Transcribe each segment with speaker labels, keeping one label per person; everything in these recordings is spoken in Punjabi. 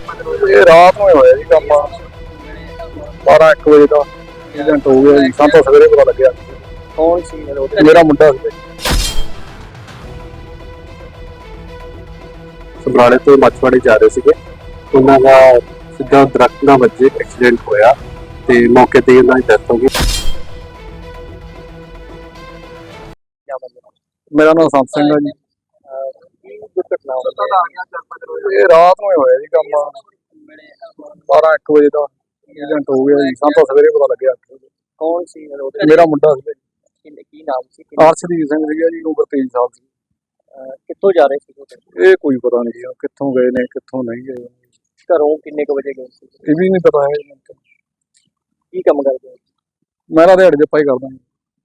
Speaker 1: ਇਹ ਰਾਤ ਨੂੰ ਹੋਇਆ ਜੀ ਕੰਮ 12-1 ਵਜੇ ਦਾ ਐਕਸੀਡੈਂਟ ਹੋ ਗਿਆ ਜੀ। ਸਾਨੂੰ ਸਵੇਰੇ ਪਤਾ ਲੱਗਿਆ।
Speaker 2: ਕੌਣ ਸੀ
Speaker 1: ਮੇਰਾ ਮੁੰਡਾ ਸੀ। ਸਮਰਾਲੇ ਤੋਂ ਮੱਛਵਾੜੇ ਜਾ ਰਹੇ ਸੀਗੇ, ਉਹਨਾਂ ਦਾ ਸਿੱਧਾ ਦਰਖਤ ਨਾਲ ਵੱਜੇ ਐਕਸੀਡੈਂਟ ਹੋਇਆ ਤੇ ਮੌਕੇ ਤੇ ਉਹਨਾਂ ਦੀ ਡੈਥ ਹੋ ਗਈ। ਮੇਰਾ ਨਾਮ ਸੰਤ ਸਿੰਘ ਹੈ ਜੀ। ਇਹ ਰਾਤ ਨੂੰ ਹੋਇਆ ਜੀ ਕੰਮ 12-1 ਵਜੇ ਦਾ ਐਕਸੀਡੈਂਟ ਹੋ ਗਿਆ ਜੀ। ਸਾਨੂੰ ਸਵੇਰੇ ਪਤਾ ਲੱਗਿਆ।
Speaker 2: ਕੌਣ ਸੀ
Speaker 1: ਮੇਰਾ ਮੁੰਡਾ ਸੀ।
Speaker 2: ਕੀ ਨਾਮ ਸੀ?
Speaker 1: ਅਰਸ਼ਦੀਪ ਸਿੰਘ ਸੀਗਾ ਜੀ, ਉਮਰ 23 ਸਾਲ ਸੀ।
Speaker 2: ਕਿੱਥੋਂ ਜਾ ਰਹੇ ਸੀ?
Speaker 1: ਇਹ ਕੋਈ ਪਤਾ ਨਹੀਂ ਜੀ ਕਿੱਥੋਂ ਗਏ ਨੇ ਕਿੱਥੋਂ ਨਹੀਂ ਗਏ।
Speaker 2: ਘਰੋਂ ਕਿੰਨੇ ਕੁ ਵਜੇ ਗਏ ਸੀ?
Speaker 1: ਇਹ ਵੀ ਨਹੀਂ ਪਤਾ ਹੈ।
Speaker 2: ਕੀ ਕੰਮ ਕਰਦੇ ਹੋ?
Speaker 1: ਮੈਂ ਤਾਂ ਦਿਹਾੜੀ ਦੇ ਪਾਈ ਕਰਦਾ ਜੀ।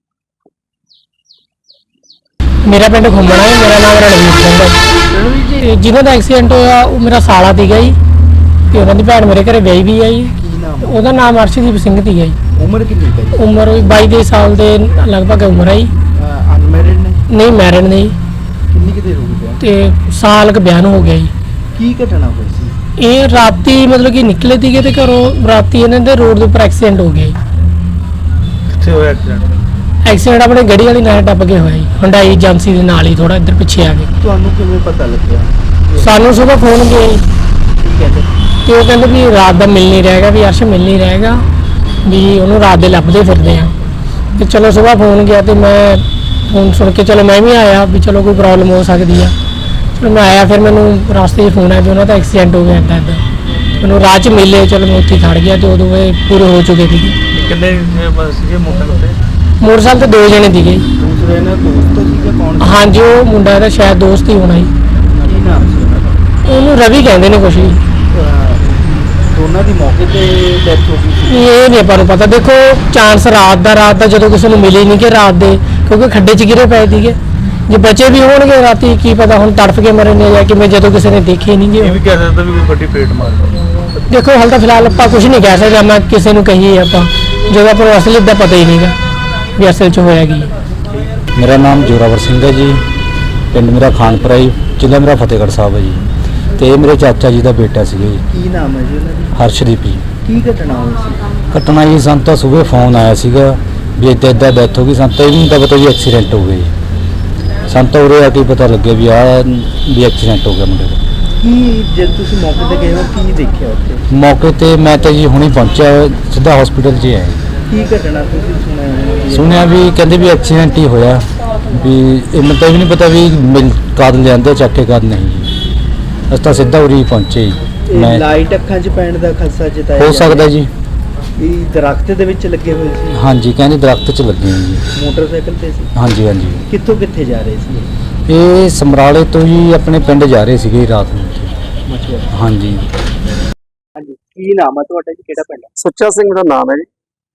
Speaker 3: मेरा पिंड घुमना है। मेरा नाम रणवीर सिंह है। जिन्हों का एक्सीडेंट होया वो मेरा साला सीगा जी ते उन्होंने भैन मेरे घर विआही भी है जी। ਉਹਦਾ ਨਾਮ ਅਰਸ਼ਦੀਪ ਸਿੰਘ ਸੀਗਾ ਜੀ।
Speaker 2: ਉਮਰ ਕਿੰਨੀ ਹੈ?
Speaker 3: ਉਮਰ 22 ਸਾਲ ਦੇ ਲਗਭਗ ਉਮਰ ਹੈ ਜੀ।
Speaker 2: ਅਨਮੈਰਿਡ ਨੇ?
Speaker 3: ਨਹੀਂ ਮੈਰਿਡ ਨਹੀਂ।
Speaker 2: ਕਿੰਨੀ ਕਿ ਦੇਰ ਹੋ ਗਈ
Speaker 3: ਤੇ ਸਾਲ ਕ ਬਿਆਨ ਹੋ ਗਿਆ ਜੀ।
Speaker 2: ਕੀ ਘਟਨਾ ਹੋਈ ਸੀ?
Speaker 3: ਇਹ ਰਾਤੀ ਮਤਲਬ ਕਿ ਨਿਕਲੇ ਸੀਗੇ ਤੇ ਘਰੋਂ ਰਾਤੀ ਇਹਨਾਂ ਦੇ ਰੋਡ ਦੇ ਉੱਪਰ ਐਕਸੀਡੈਂਟ ਹੋ ਗਿਆ ਜੀ।
Speaker 2: ਕਿੱਥੇ ਹੋਇਆ ਐਕਸੀਡੈਂਟ?
Speaker 3: ਐਕਸੀਡੈਂਟ ਆਪਣੇ ਗੱਡੀ ਵਾਲੀ ਨਾਲ ਟੱਪ ਕੇ ਹੋਇਆ ਜੀ, ਹੁੰਡਾਈ ਏਜੰਸੀ ਦੇ ਨਾਲ ਹੀ ਥੋੜਾ ਇੱਧਰ ਪਿੱਛੇ ਆ ਕੇ।
Speaker 2: ਤੁਹਾਨੂੰ ਕਿਵੇਂ ਪਤਾ ਲੱਗਿਆ?
Speaker 3: ਸਾਨੂੰ ਸੁਬਾਹ ਫੋਨ ਗਿਆ ਜੀ
Speaker 2: ਕੀ ਕਹਿੰਦੇ?
Speaker 3: ਤੇ ਉਹ ਕਹਿੰਦੇ ਵੀ ਰਾਤ ਦਾ ਮਿਲ ਨਹੀਂ ਰਹੇਗਾ, ਵੀ ਅਰਸ਼ ਮਿਲ ਨਹੀਂ ਰਹੇਗਾ, ਵੀ ਉਹਨੂੰ ਰਾਤ ਦੇ ਲੱਭਦੇ ਫਿਰਦੇ ਆ। ਤੇ ਚਲੋ ਸੁਬਾਹ ਫੋਨ ਗਿਆ ਤੇ ਮੈਂ ਫੋਨ ਸੁਣ ਕੇ ਚਲੋ ਮੈਂ ਵੀ ਆਇਆ ਵੀ ਚਲੋ ਕੋਈ ਪ੍ਰੋਬਲਮ ਹੋ ਸਕਦੀ ਆ। ਚਲੋ ਮੈਂ ਆਇਆ, ਫਿਰ ਮੈਨੂੰ ਰਸਤੇ 'ਚ ਫੋਨ ਆਇਆ ਵੀ ਉਹਨਾਂ ਦਾ ਐਕਸੀਡੈਂਟ ਹੋ ਗਿਆ ਇੱਦਾਂ ਇੱਦਾਂ। ਮੈਨੂੰ ਰਾਹ 'ਚ ਮਿਲੇ, ਚਲੋ ਮੈਂ ਉੱਥੇ ਖੜ ਗਿਆ ਤੇ ਉਦੋਂ ਇਹ ਪੂਰੇ ਹੋ ਚੁੱਕੇ ਸੀਗੇ।
Speaker 2: ਕਿੰਨੇ ਸੀਗੇ ਮੋਟਰਸਾਈਕਲ ਤੇ?
Speaker 3: ਮੋਟਰਸਾਈਕਲ ਤੇ 2 ਜਣੇ ਸੀਗੇ।
Speaker 2: ਦੂਸਰੇ ਨਾਲ ਦੋਸਤ ਸੀਗਾ? ਕੌਣ?
Speaker 3: ਹਾਂਜੀ ਉਹ ਮੁੰਡਾ ਇਹਦਾ ਸ਼ਾਇਦ ਦੋਸਤ ਹੀ ਹੋਣਾ ਜੀ।
Speaker 2: ਕੀ ਨਾਮ ਸੀ ਉਹਨਾਂ ਦਾ?
Speaker 3: ਉਹਨੂੰ ਰਵੀ ਕਹਿੰਦੇ ਨੇ ਕੁਛ ਜੀ।
Speaker 2: ਦੋਨਾਂ ਦੀ ਮੌਕੇ ਤੇ ਡੈਥ ਹੋ ਗਈ ਸੀ?
Speaker 3: ਇਹ ਨਹੀਂ ਆਪਾਂ ਨੂੰ ਪਤਾ। ਦੇਖੋ ਚਾਂਸ ਰਾਤ ਦਾ ਜਦੋਂ ਕਿਸੇ ਨੂੰ ਮਿਲੇ ਨਹੀਂ ਕਿ ਰਾਤ ਦੇ, ਕਿਉਂਕਿ ਖੱਡੇ 'ਚ ਗਿਰੇ ਪਏ ਸੀਗੇ। ਜੇ ਬੱਚੇ ਵੀ ਹੋਣਗੇ ਰਾਤੀ ਕੀ ਪਤਾ ਹੁਣ ਤੜਫ ਕੇ ਮਰੇ ਨੇ ਜਾਂ ਕਿਵੇਂ, ਜਦੋਂ ਕਿਸੇ ਨੇ ਦੇਖੇ ਨਹੀਂ
Speaker 2: ਇਹ
Speaker 3: ਗੇ।
Speaker 2: ਵੀ ਕਹਿ ਸਕਦਾ ਵੀ ਕੋਈ ਵੱਡੀ ਪੇਟ ਮਾਰ ਗਈ।
Speaker 3: ਦੇਖੋ ਹਾਲ ਤਾਂ ਫਿਲਹਾਲ ਆਪਾਂ ਕੁਝ ਨਹੀਂ ਕਹਿ ਸਕਦੇ। ਮੈਂ ਕਿਸੇ ਨੂੰ ਕਹੀਏ ਆਪਾਂ ਜਦੋਂ ਆਪਾਂ ਨੂੰ ਅਸਲੀ ਦਾ ਪਤਾ ਹੀ ਨਹੀਂਗਾ ਵੀ ਅਸਲ 'ਚ ਹੋਇਆ ਕੀ।
Speaker 4: ਮੇਰਾ ਨਾਮ ਜੋਰਾਵਰ ਸਿੰਘ ਹੈ ਜੀ। ਪਿੰਡ ਮੇਰਾ ਖਾਨਪੁਰਾ ਜੀ, ਜ਼ਿਲ੍ਹਾ ਮੇਰਾ ਫਤਿਹਗੜ੍ਹ ਸਾਹਿਬ ਹੈ ਜੀ। ਤੇ ਇਹ ਮੇਰੇ ਚਾਚਾ ਜੀ ਦਾ ਬੇਟਾ ਸੀਗਾ ਜੀ।
Speaker 2: ਕੀ ਨਾਮ ਹੈ ਜੀ ਉਹਨਾਂ ਦੀ?
Speaker 4: ਹਰਸ਼ਦੀਪ ਜੀ।
Speaker 2: ਕੀ ਘਟਨਾ ਹੋਈ ਸੀ?
Speaker 4: ਘਟਨਾ ਜੀ ਸਾਨੂੰ ਤਾਂ ਸਵੇਰੇ ਫੋਨ ਆਇਆ ਸੀਗਾ ਵੀ ਇੱਦਾਂ ਡੈਥ ਹੋ ਗਈ। ਸਾਨੂੰ ਤਾਂ ਇਹ ਵੀ ਨਹੀਂ ਤਾਂ ਪਤਾ ਵੀ ਐਕਸੀਡੈਂਟ ਹੋ ਗਿਆ ਜੀ। ਸਾਨੂੰ ਤਾਂ ਉਰੇ ਆ ਕੇ ਪਤਾ ਲੱਗਿਆ ਵੀ ਵੀ ਐਕਸੀਡੈਂਟ ਹੋ ਗਿਆ ਮੁੰਡੇ ਦਾ।
Speaker 2: ਕੀ ਜਦ ਤੁਸੀਂ ਮੌਕੇ ਤੇ ਗਏ ਹੋ ਕੀ ਦੇਖਿਆ ਉੱਥੇ?
Speaker 4: ਮੌਕੇ ਤੇ ਮੈਂ ਤਾਂ ਜੀ ਹੁਣੀ ਪਹੁੰਚਿਆ, ਸਿੱਧਾ ਹਸਪੀਟਲ 'ਚ ਹੀ ਆਇਆ।
Speaker 2: ਕੀ ਘਟਨਾ ਤੁਸੀਂ ਸੁਣਿਆ?
Speaker 4: ਸੁਣਿਆ ਵੀ ਕਹਿੰਦੇ ਵੀ ਐਕਸੀਡੈਂਟ ਹੀ ਹੋਇਆ, ਵੀ ਮੈਨੂੰ ਤਾਂ ਵੀ ਨਹੀਂ ਪਤਾ ਵੀ ਕਦ ਲਿਆਂਦੇ ਚੱਕ ਕੇ ਕਦ ਨਹੀਂ ਜੀ। ਅਸੀਂ ਤਾਂ ਸਿੱਧਾ ਉਰੀ ਪਹੁੰਚੇ ਜੀ। ਮੈਂ
Speaker 2: ਲਾਈਟ ਅੱਖਾਂ 'ਚ ਪੈਣ ਦਾ ਖਦਸ਼ਾ ਜਤਾਇਆ
Speaker 4: ਹੋ ਸਕਦਾ ਜੀ।
Speaker 2: ਇਹ ਦਰਖਤ ਦੇ ਵਿੱਚ ਲੱਗੇ ਹੋਏ ਸੀ?
Speaker 4: ਹਾਂਜੀ ਕਹਿੰਦੇ ਦਰਖਤ 'ਚ ਲੱਗੇ ਹੋਏ ਜੀ।
Speaker 2: ਮੋਟਰਸਾਈਕਲ ਤੇ ਸੀ?
Speaker 4: ਹਾਂਜੀ ਹਾਂਜੀ।
Speaker 2: ਕਿੱਥੋਂ ਕਿੱਥੇ ਜਾ ਰਹੇ ਸੀ?
Speaker 4: ਇਹ ਸਮਰਾਲੇ ਤੋਂ ਜੀ ਆਪਣੇ ਪਿੰਡ ਜਾ ਰਹੇ ਸੀਗੇ ਰਾਤ ਨੂੰ।
Speaker 2: ਮਛੁਆਰਾ।
Speaker 4: ਹਾਂਜੀ।
Speaker 2: ਹਾਂਜੀ, ਕੀ ਨਾਮ ਹੈ ਤੁਹਾਡਾ ਜੀ? ਕਿਹੜਾ ਪਿੰਡ?
Speaker 1: ਸੁੱਚਾ ਸਿੰਘ ਦਾ ਨਾਮ ਹੈ ਜੀ।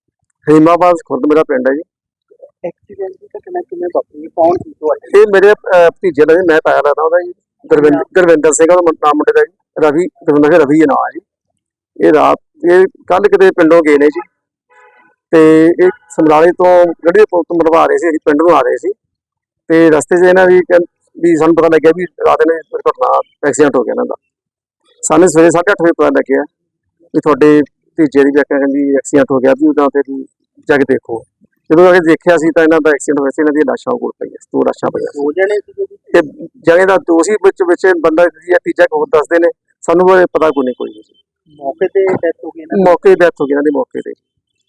Speaker 1: ਹੀਮਾਬਾਦ ਖੁਰਦ ਮੇਰਾ ਪਿੰਡ ਹੈ ਜੀ।
Speaker 2: ਐਕਸੀਡੈਂਟ ਦੀ ਘਟਨਾ ਕਿਵੇਂ ਵਾਪਰੀ? ਕੌਣ ਸੀ ਤੁਹਾਡੇ?
Speaker 1: ਇਹ ਮੇਰੇ ਭਤੀਜੇ ਦਾ ਜੀ, ਮੈਂ ਪਾਇਆ ਲੱਗਦਾ ਉਹਦਾ ਜੀ। ਗੁਰਵਿੰਦਰ ਸਿੰਘ ਉਹਦਾ ਨਾਮ ਮੁੰਡੇ ਦਾ ਜੀ। ਰਵੀ ਰਵੀ ਨਾਮ ਹੈ ਜੀ। ਇਹ ਕੱਲ ਕਿਤੇ ਪਿੰਡੋਂ ਗਏ ਨੇ ਜੀ ਤੇ ਇਹ ਸਮਰਾਲੇ ਤੋਂ ਗੱਡੀ ਦੇ ਪੁਲ ਤੋਂ ਮਰਵਾ ਰਹੇ ਸੀ, ਅਸੀਂ ਪਿੰਡ ਨੂੰ ਆ ਰਹੇ ਸੀ ਤੇ ਰਸਤੇ 'ਚ ਇਹਨਾਂ ਵੀ ਸਾਨੂੰ ਪਤਾ ਲੱਗਿਆ ਵੀ ਰਾਤ ਨੇ ਦੁਰਘਟਨਾ ਐਕਸੀਡੈਂਟ ਹੋ ਗਿਆ ਇਹਨਾਂ ਦਾ। ਸਾਨੂੰ ਸਵੇਰੇ 8:30 ਵਜੇ ਪਤਾ ਲੱਗਿਆ ਵੀ ਤੁਹਾਡੇ ਭਤੀਜੇ ਦੀ ਕਹਿੰਦੀ ਐਕਸੀਡੈਂਟ ਹੋ ਗਿਆ, ਵੀ ਉਹਦਾ ਤੇ ਜਾ ਕੇ ਦੇਖੋ। ਜਦੋਂ ਆ ਕੇ ਦੇਖਿਆ ਸੀ ਤਾਂ ਇਹਨਾਂ ਦਾ ਐਕਸੀਡੈਂਟ ਹੋਇਆ ਸੀ। ਇਹਨਾਂ ਦੀਆਂ ਲਾਸ਼ਾਂ ਕੋਲ ਪਈਆਂ, 2 ਲਾਸ਼ਾਂ ਪਈਆਂ।
Speaker 2: 2 ਜਣੇ ਸੀ
Speaker 1: ਤੇ ਜਣੇ ਦਾ ਦੋਸ਼ੀ ਵਿੱਚ ਬੰਦਾ ਤੀਜਾ ਹੋਰ ਦੱਸਦੇ ਨੇ, ਸਾਨੂੰ ਪਤਾ ਕੋਈ ਨਹੀਂ। ਕੋਈ
Speaker 2: ਮੌਕੇ ਤੇ ਡੈਥ ਹੋ ਗਈ ਨਾ?
Speaker 1: ਮੌਕੇ ਡੈਥ ਹੋ ਗਈ ਇਹਨਾਂ ਦੀ ਮੌਕੇ ਤੇ।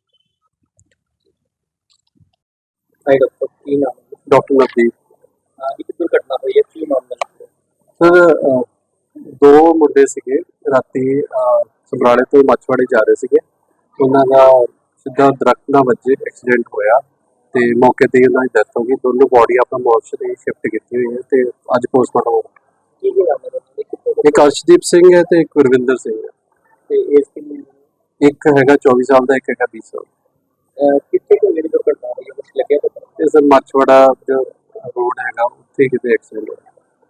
Speaker 2: ਡਾਕਟਰ ਕੀ ਨਾਮ?
Speaker 1: ਡਾਕਟਰ ਨਵਦੀਪ।
Speaker 2: ਇੱਕ ਦੁਰਘਟਨਾ ਹੋਈ ਹੈ, ਕੀ ਮਾਮਲਾ?
Speaker 1: ਸਰ 2 ਮੁੰਡੇ ਸੀਗੇ, ਰਾਤੀ ਸਮਰਾਲੇ ਤੋਂ ਮੱਛਵਾੜੇ ਜਾ ਰਹੇ ਸੀਗੇ। ਉਹਨਾਂ ਦਾ ਸਿੱਧਾ ਦਰਖਤ ਨਾਲ ਵੱਜੇ ਐਕਸੀਡੈਂਟ ਹੋਇਆ ਤੇ ਮੌਕੇ ਤੇ ਉਹਨਾਂ ਦੀ ਡੈਥ ਹੋ ਗਈ। ਦੋਨੋਂ ਬੋਡੀ ਆਪਣਾ ਮੋਰਚਰੀ ਸ਼ਿਫਟ ਕੀਤੀ ਹੋਈ ਹੈ ਤੇ ਅੱਜ ਪੋਸਟਮਾਰਟਮ ਹੋਊਗਾ।
Speaker 2: ਕੀ ਨਾਮ ਹੈ?
Speaker 1: ਇੱਕ ਅਰਸ਼ਦੀਪ ਸਿੰਘ ਹੈ ਤੇ ਇੱਕ ਗੁਰਵਿੰਦਰ ਸਿੰਘ ਹੈ।
Speaker 2: ਤੇ ਇਸ ਕਿੰਨੀ?
Speaker 1: ਇੱਕ ਹੈਗਾ 24 ਸਾਲ ਦਾ, ਇੱਕ ਹੈਗਾ 20 ਸਾਲ।
Speaker 2: ਕਿੱਥੇ ਕੋਈ ਜਿਹੜੀ ਦੁਰਘਟਨਾ ਹੋਈ ਹੈ ਕੁਝ ਲੱਗਿਆ ਪਤਾ?
Speaker 1: ਇਹ ਸਰ ਮੱਛਵਾੜਾ ਜੋ ਰੋਡ ਹੈਗਾ ਉੱਥੇ ਕਿਤੇ ਐਕਸੀਡੈਂਟ ਹੋਇਆ।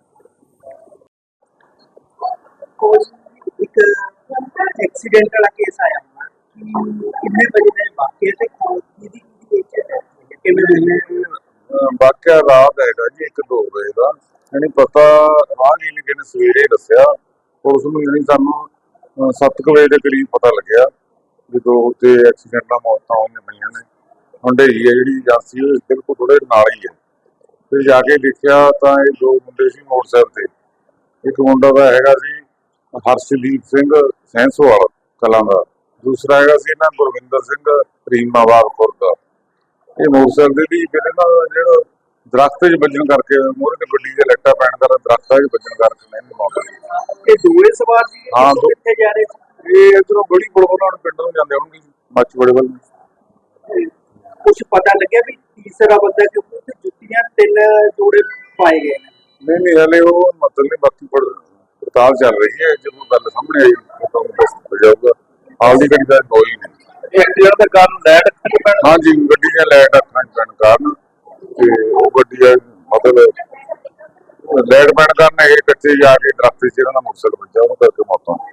Speaker 2: ਇੱਕ ਐਕਸੀਡੈਂਟ ਵਾਲਾ ਕੇਸ ਆਇਆ ਹੋਣਾ, ਕਿੰਨੇ ਵਜੇ ਦਾ ਵਾਕਿਆ ਤੇ ਕਿਹਦੀ ਕਿਵੇਂ?
Speaker 5: ਵਾਕਿਆ ਰਾਤ ਹੈਗਾ ਜੀ 1-2 ਵਜੇ ਦਾ। ਯਾਨੀ ਪਤਾ ਰਾਹਗੀਰ ਨੇ ਸਵੇਰੇ ਦੱਸਿਆ ਪੁਲਿਸ ਨੂੰ, ਯਾਨੀ ਸਾਨੂੰ 7 ਵਜੇ ਦੇ ਕਰੀਬ ਪਤਾ ਲੱਗਿਆ ਵੀ ਦੋ ਤੇ ਐਕਸੀਡੈਂਟ ਨਾਲ ਮੌਤਾਂ ਹੋਈਆਂ ਪਈਆਂ ਨੇ। ਹੁੰਡਈ ਹੈ ਜਿਹੜੀ ਏਜੰਸੀ ਉਹ ਬਿਲਕੁਲ ਥੋੜੇ ਨਾਲ ਹੀ ਹੈ। ਫਿਰ ਜਾ ਕੇ ਦੇਖਿਆ ਤਾਂ ਇਹ ਦੋ ਮੁੰਡੇ ਸੀ ਮੋਟਰਸਾਈਕਲ ਤੇ। ਇੱਕ ਮੁੰਡਾ ਦਾ ਹੈਗਾ ਸੀ ਹਰਸ਼ਦੀਪ ਸਿੰਘ ਸੈਂਸੋਵਾਲ ਕਲਾਂ ਦਾ, ਦੂਸਰਾ ਹੈਗਾ ਸੀ ਇਹਨਾਂ ਗੁਰਵਿੰਦਰ ਸਿੰਘ ਰੀਮਾਬਾਦ ਖੁਰਦ ਦਾ। ਇਹ ਮੋਟਰਸਾਈਕਲ ਦੀ ਫਿਰ ਇਹਨਾਂ ਦਾ ਜਿਹੜਾ ਦਰਖਤ 'ਚ ਵੱਜਣ ਕਰਕੇ ਮੂਹਰੇ ਤੇ ਗੱਡੀ ਦੇ ਲੱਟਾ ਪੈਣ ਕਾਰਨ ਦਰਖਤਾਂ 'ਚ ਵੱਜਣ ਕਰਕੇ ਨਹੀਂ ਮੌਤ ਹੋਈ।
Speaker 2: ਇਹ ਦੋਵੇਂ ਸਵਾਰ ਸੀ
Speaker 5: ਹਾਂ,
Speaker 2: ਕਿੱਥੇ ਜਾ ਰਹੇ ਸੀ?
Speaker 5: ਇਹ ਇੱਧਰੋਂ ਬੜੀ ਬੜੋਨਾ ਨੂੰ ਪਿੰਡ ਨੂੰ ਜਾਂਦੇ ਹੋਣਗੇ ਮੱਚ ਬੜੇ ਵੱਲ।
Speaker 2: ਕੁਝ ਪਤਾ ਲੱਗਿਆ ਵੀ ਤੀਸਰਾ ਬੰਦਾ ਕਿਉਂਕਿ ਉੱਥੇ ਜੁੱਤੀਆਂ 3 ਜੋੜੇ ਪਾਏ ਗਏ ਨੇ।
Speaker 5: ਨਹੀਂ ਹਲੇ ਉਹ ਮਤਲਬ ਨਹੀਂ, ਬਾਕੀ ਪੜਤਾਲ ਚੱਲ ਰਹੀ ਹੈ। ਜਦੋਂ ਗੱਲ ਸਾਹਮਣੇ ਆਈ ਤਾਂ ਦੱਸ ਜਾਊਗਾ। ਹਾਲ ਦੀ ਘੜੀ ਦਾ ਕੋਈ ਨਹੀਂ।
Speaker 2: ਐਕਸੀਡੈਂਟ ਦਾ ਕਾਰਨ ਲਾਈਟ ਅੱਖਾਂ 'ਚ ਪੈਣ
Speaker 5: ਹਾਂਜੀ, ਗੱਡੀ ਦੀਆਂ ਲਾਈਟ ਅੱਖਾਂ 'ਚ ਪੈਣ ਕਾਰਨ ਤੇ ਉਹ ਗੱਡੀ ਦਾ ਮਤਲਬ ਲਾਈਟ ਪੈਣ ਕਾਰਨ ਇਹ ਕੱਚੇ ਜਾ ਕੇ ਦਰਖਤ 'ਚ ਇਹਨਾਂ ਦਾ ਮੋਟਰਸਾਈਕਲ ਵੱਜਾ, ਉਹਨੂੰ ਕਰਕੇ ਮੌਤ ਹੋ ਗਈ।